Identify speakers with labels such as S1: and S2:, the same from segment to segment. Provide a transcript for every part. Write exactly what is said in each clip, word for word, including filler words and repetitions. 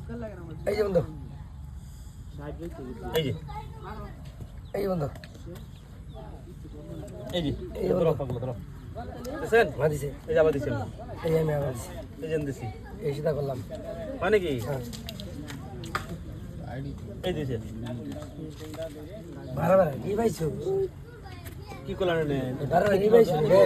S1: এই যে বন্ধু
S2: এই যে
S1: এই যে বন্ধু
S2: এই যে এই ধরো পাগল ধরো দেখেন
S1: মাদিছে
S2: এই যে আবার দিছেন
S1: এই আমি আবার দিছি
S2: এই যে দিছি
S1: এই সিধা করলাম
S2: মানে কি
S1: হ্যাঁ
S2: এই দিছে
S1: বারা বারা কি পাইছো
S2: কি করলেন নে
S1: বারা বারা কি পাইছো রে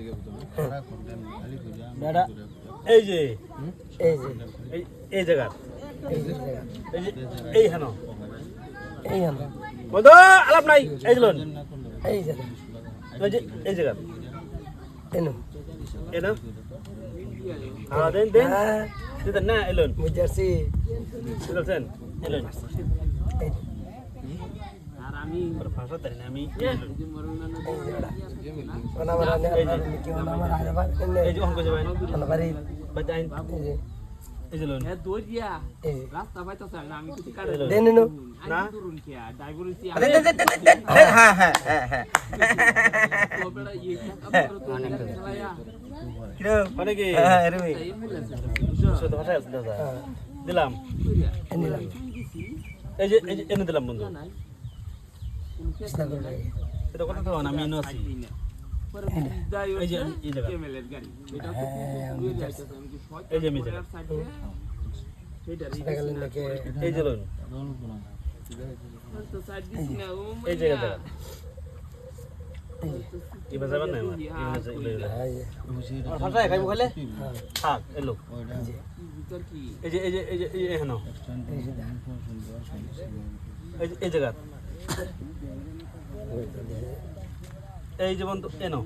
S2: দাদা এই যে
S1: এই যে
S2: এই এই জায়গা
S1: এই যে জায়গা
S2: এই যে এই হেন
S1: এই আমরা
S2: বন্ধু আলাপ নাই এই দিলন
S1: এই যে
S2: এই যে এই জায়গা
S1: এনো
S2: এনা হ্যাঁ দেন দেন
S1: হ্যাঁ
S2: দিতেন না এলন
S1: মুজারসি
S2: দিতেন এলন
S1: এই
S2: আর আমি ভাষা জানি না আমি এলন
S1: এই জোড়া ওনা মারা নে কি ওনা মারা আরে বার
S2: এই যে অঙ্ক যাবেন
S1: ওনা বাড়ি
S2: বাজাইন
S1: এই যে
S2: এই যে লন
S3: এ দৌড়িয়া
S1: এই যে
S3: রাস্তা পাইতাছ না আমি কিছু কাটে
S1: দেন নো
S2: না
S3: দূরুন কি ড্রাইভার হইছি
S4: হ্যাঁ হ্যাঁ হ্যাঁ হ্যাঁ
S3: তো বেড়া ইয়ে কাপড় তো চালায়া
S2: মানে কি
S4: হ্যাঁ রে ভাই
S3: এই মিলেছে
S2: শুদ্ধ ভাষা আছে দাদা দিলাম
S1: এনিলাম
S2: এই যে এই যে এনে দিলাম বন্ধু
S1: চেষ্টা করে
S2: এটা কথা তো না আমি এনে আছি
S3: পরে যাই
S2: এই যে এই জায়গা
S3: কেমেলের গাড়ি এটা তো
S1: হ্যাঁ
S3: ঘুরে যাইতেছে আমি কি শর্ট
S2: এই যে আমি জায়গা
S3: সেটা
S1: সেটা গেলেন নাকি
S2: এই যে লন
S3: তো সাইড দিছি না ও
S2: এই জায়গা জায়গা কি বাজাবেন না আমার এই বাজা এই বাজা
S1: হ্যাঁ
S2: আর ভাষায় খাইবো খাইলে
S1: হ্যাঁ
S2: থাক এলো
S3: ভিতর কি
S2: এই যে এই যে এই যে এই যে হেন
S1: এই যে
S2: এই যে এই জায়গা এই যে বন্ধু এনো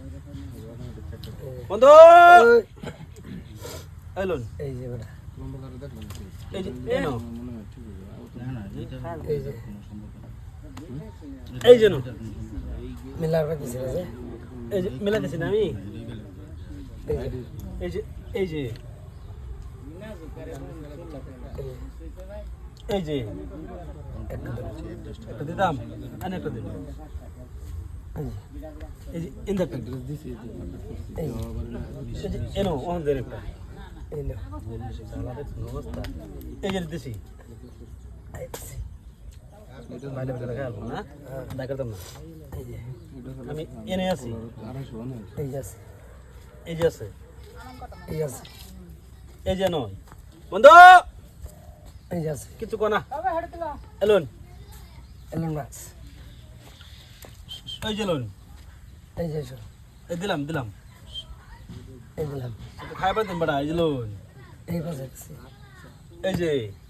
S2: বন্ধু এলন
S1: এই যে বেটা
S2: এই যে এনো
S1: এই যে
S2: এই যে নো
S1: মিলার পাইছে যে
S2: এই যে মিলা দিছি না আমি
S1: এই যে
S2: এই যে এই যে এই যে একটা দিতাম আনে একটা দিন এই যে ইন্দা একটা
S1: এই
S2: এই যে এনো ওখান দেন একটা
S1: এই নো
S2: সালা দেখুন অবস্থা এই যে দিছি বাইরে বেলা খেয়াল না দেখা করতাম না
S1: এই যে
S2: আমি এনে আছি
S1: এই যে আছে
S2: এই যে আছে
S1: এই আছে
S2: এই যে নয় বন্ধু
S1: এই যে আছে
S2: কিছু কোনা এলন
S1: এলন মাছ
S2: এই যে এলন
S1: এই যে এসো
S2: এই দিলাম দিলাম
S1: এই দিলাম
S2: খাইবার দিন বড়া এই যে এলন
S1: এই পাশে আছে
S2: এই যে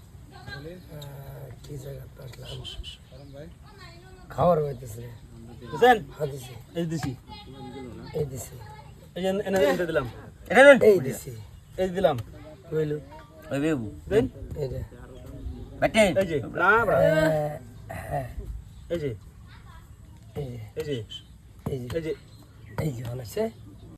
S1: কি জায়গা আসলাম খাওয়ার হইতেছে
S2: বুঝছেন
S1: হ্যাঁ দিছি
S2: এই যে দিছি
S1: এই দিছি
S2: এই যে এনে এনে দিলাম
S4: এটা নেন
S1: এই দিছি
S2: এই যে দিলাম
S1: কইলো
S4: ওই বেবু
S2: দেন
S1: এই যে
S4: বেটে
S2: এই যে না বড়া
S1: হ্যাঁ
S2: এই যে
S1: এই যে
S2: এই যে
S1: এই যে
S2: এই যে
S1: এই যে অনেছে